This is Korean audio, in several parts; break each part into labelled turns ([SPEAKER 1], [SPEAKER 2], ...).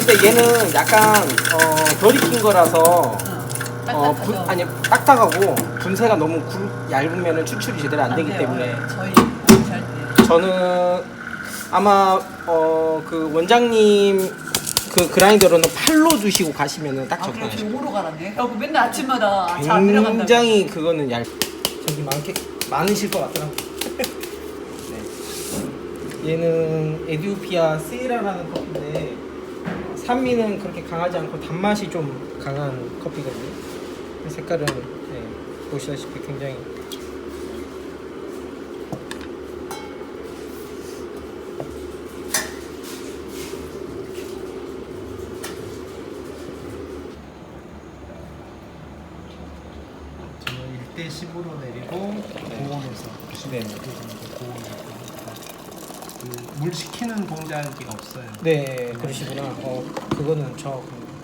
[SPEAKER 1] 근데 얘는 약간 덜 익힌 거라서 아니 딱딱하고 분쇄가 너무 얇으면 추출이 제대로 안 되기 때문에
[SPEAKER 2] 저희 잘
[SPEAKER 1] 저는 아마 그 원장님 그 그라인더로는 팔로 두시고 가시면은 딱
[SPEAKER 2] 그럼
[SPEAKER 1] 적당해요.
[SPEAKER 2] 요거로 가라네. 맨날 아침마다 잘 안 들어간다.
[SPEAKER 1] 굉장히 그거는 저기 많으실 것 같더라고요. 네. 얘는 에디오피아 세이라라는 커피인데 산미는 그렇게 강하지 않고 단맛이 좀 강한 커피거든요. 색깔은 보시다시피 굉장히
[SPEAKER 3] 저는 1대10으로 내리고 고온에서 96도 정도 고온에서 물 식히는 동작이 없어요.
[SPEAKER 1] 네 그러시구나. 그거는 저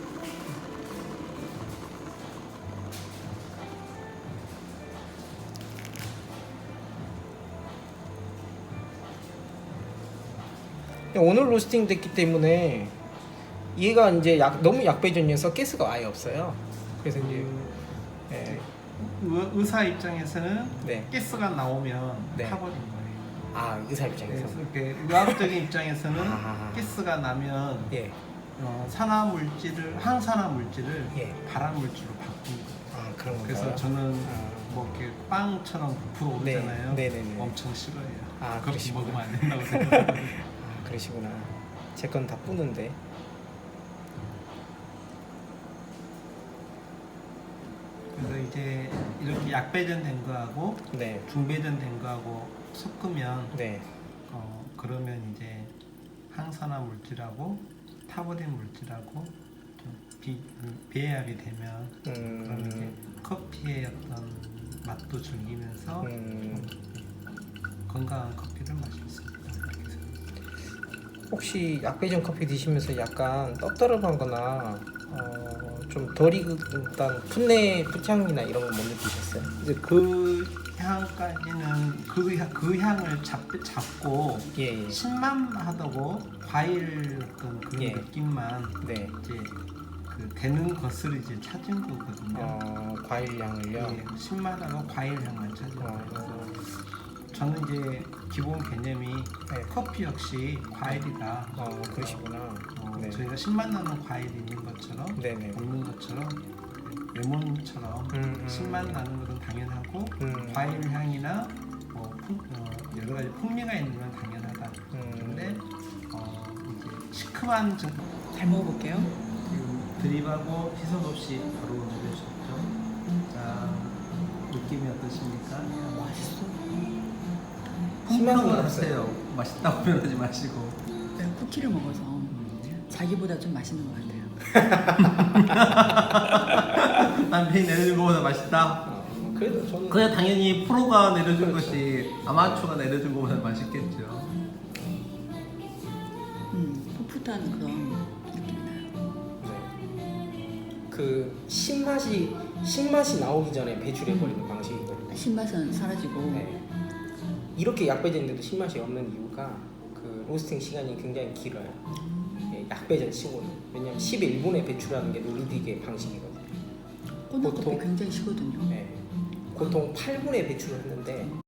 [SPEAKER 1] 오늘 로스팅 됐기 때문에 얘가 이제 너무 약배전이어서 가스가 아예 없어요. 그래서 이제
[SPEAKER 3] 의사 입장에서는
[SPEAKER 1] 네.
[SPEAKER 3] 가스가 나오면
[SPEAKER 1] 네.
[SPEAKER 3] 타버린 거예요.
[SPEAKER 1] 의사 입장에서
[SPEAKER 3] 그래서 의학적인 입장에서는
[SPEAKER 1] 아하하.
[SPEAKER 3] 가스가 나면
[SPEAKER 1] 예.
[SPEAKER 3] 산화 물질을 항산화 물질을
[SPEAKER 1] 예.
[SPEAKER 3] 발암 물질로 바꾼 거예요.
[SPEAKER 1] 그런 건가요?
[SPEAKER 3] 그래서 저는 뭐 이렇게 빵처럼 부풀어
[SPEAKER 1] 네.
[SPEAKER 3] 오르잖아요.
[SPEAKER 1] 네네네.
[SPEAKER 3] 엄청 싫어해요. 그렇게
[SPEAKER 1] 그러시구나.
[SPEAKER 3] 먹으면 안 된다고 생각해요.
[SPEAKER 1] 그러시구나. 제 건 다 뿌는데.
[SPEAKER 3] 그래서 이제 이렇게 약배전 된 거하고
[SPEAKER 1] 네.
[SPEAKER 3] 중배전 된 거하고 섞으면
[SPEAKER 1] 네.
[SPEAKER 3] 그러면 이제 항산화 물질하고 타버린 물질하고 좀 배합이 되면 그럼 이제 커피의 어떤 맛도 즐기면서 건강한 커피를 마실 수 있다. 이렇게 생각합니다.
[SPEAKER 1] 혹시 약배전 커피 드시면서 약간 떡더럽한거나 좀 덜 익은 풋내 풋향이나 이런 거 못 느끼셨어요?
[SPEAKER 3] 이제 그 향까지는 그 향을 잡고
[SPEAKER 1] 예.
[SPEAKER 3] 신맛하다고 과일 어떤 그런
[SPEAKER 1] 예.
[SPEAKER 3] 느낌만
[SPEAKER 1] 네.
[SPEAKER 3] 이제 그 되는 것을 이제 찾은 거거든요.
[SPEAKER 1] 과일 향을요.
[SPEAKER 3] 예, 신맛하고 과일 향만 찾은 거예요. 그래서 저는 이제 기본 개념이 커피 역시 과일이다.
[SPEAKER 1] 그러시구나. 네.
[SPEAKER 3] 저희가 신맛 나는 과일이 있는 것처럼
[SPEAKER 1] 네네.
[SPEAKER 3] 없는 것처럼 레몬처럼 신맛 나는 것은 당연하고 과일 향이나 여러 가지 풍미가 있는 건 당연하다. 그런데 이제 시큼한
[SPEAKER 2] 잘 먹어볼게요.
[SPEAKER 3] 드립하고 희석 없이 바로 내려주셨죠. 자, 느낌이 어떠십니까?
[SPEAKER 2] 맛있어.
[SPEAKER 1] 희망이
[SPEAKER 3] 평가를
[SPEAKER 1] 없어요.
[SPEAKER 3] 하세요. 맛있다고 표현하지 마시고.
[SPEAKER 2] 내가 쿠키를 먹어서 자기보다 좀 맛있는 것 같아요.
[SPEAKER 3] 남편이 내려준 것보다 맛있다.
[SPEAKER 1] 그래도 저는
[SPEAKER 3] 그냥 당연히 프로가 내려준 것이 아마추어가 내려준 것보다 맛있겠죠.
[SPEAKER 2] 풋풋한 그런 느낌이 나요.
[SPEAKER 1] 네. 그 신맛이 나오기 전에 배출해 버리는 방식이거든요.
[SPEAKER 2] 신맛은 사라지고
[SPEAKER 1] 네. 이렇게 약배전인데도 신맛이 없는 이유가 그 로스팅 시간이 굉장히 길어요. 약배전 치고는. 왜냐면 11분에 배출하는 게 노르딕의 방식이거든요.
[SPEAKER 2] 꼬나커피
[SPEAKER 1] 보통-
[SPEAKER 2] 굉장히 시거든요.
[SPEAKER 1] 네. 보통 8분에 배출을 했는데